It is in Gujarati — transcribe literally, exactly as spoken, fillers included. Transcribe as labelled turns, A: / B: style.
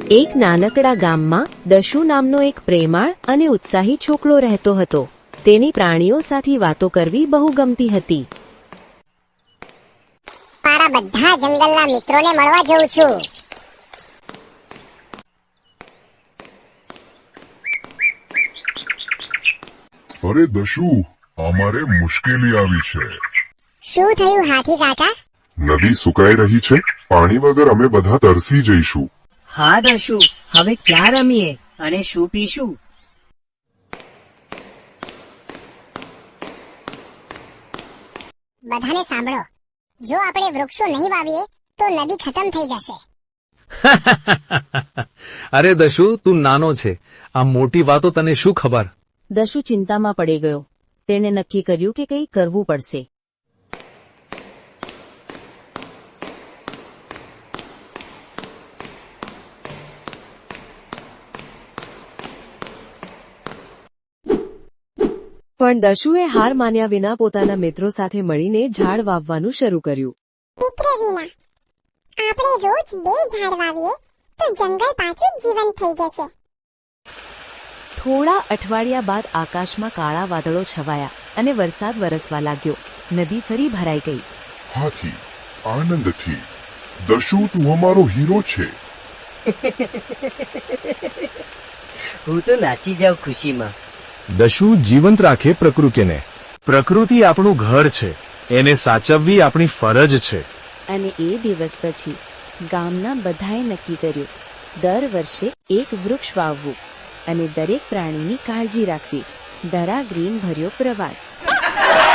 A: એક નાનકડા ગામમાં દશુ નામનો એક પ્રેમાળ અને ઉત્સાહી છોકરો રહેતો હતો. તેની પ્રાણીઓ સાથે વાતો કરવી બહુ ગમતી હતી.
B: મારા બધા જંગલના મિત્રોને મળવા જઉં છું.
C: અરે દશુ, અમારે મુશ્કેલી આવી છે.
B: શું થયું હાથી કાકા?
C: નદી સુકાઈ રહી છે. પાણી વગર અમે બધા તરસી જઈશું.
D: હા દશુ, હવે ક્યાં રમીએ અને શું પીશું?
B: બધાને સાંભળો, જો આપણે વૃક્ષો નહીં વાવીએ તો નદી ખતમ થઈ જશે.
E: અરે દશુ, તું નાનો છે, આ મોટી વાતો તને શું ખબર?
A: દશુ ચિંતામાં પડી ગયો. તેણે નક્કી કર્યું કે કંઈ કરવું પડશે. પણ દશુએ હાર માન્યા વિના પોતાના મિત્રો સાથે મળીને ઝાડ વાવવાનું શરૂ કર્યું.
B: મિત્ર રીના, આપણે રોજ બે ઝાડ વાવીએ તો જંગલ પાછું જીવંત થઈ જશે.
A: થોડા અઠવાડિયા બાદ આકાશમાં કાળા વાદળો છવાયા અને વરસાદ વરસવા લાગ્યો. નદી ફરી ભરાઈ ગઈ.
C: હાથી, આનંદથી. દશુ, તું અમારો હીરો છે.
D: હું તો નાચી જાઉં ખુશીમાં.
F: દશુ, જીવંત રાખે પ્રકૃતિને. પ્રકૃતિ આપણું ઘર છે, એને સાચવવી આપણી ફરજ છે.
A: અને એ દિવસ પછી ગામના બધાએ નક્કી કર્યું, દર વર્ષે એક વૃક્ષ વાવવું અને દરેક પ્રાણીની કાળજી રાખવી. દરા ગ્રીન ભર્યો પ્રવાસ.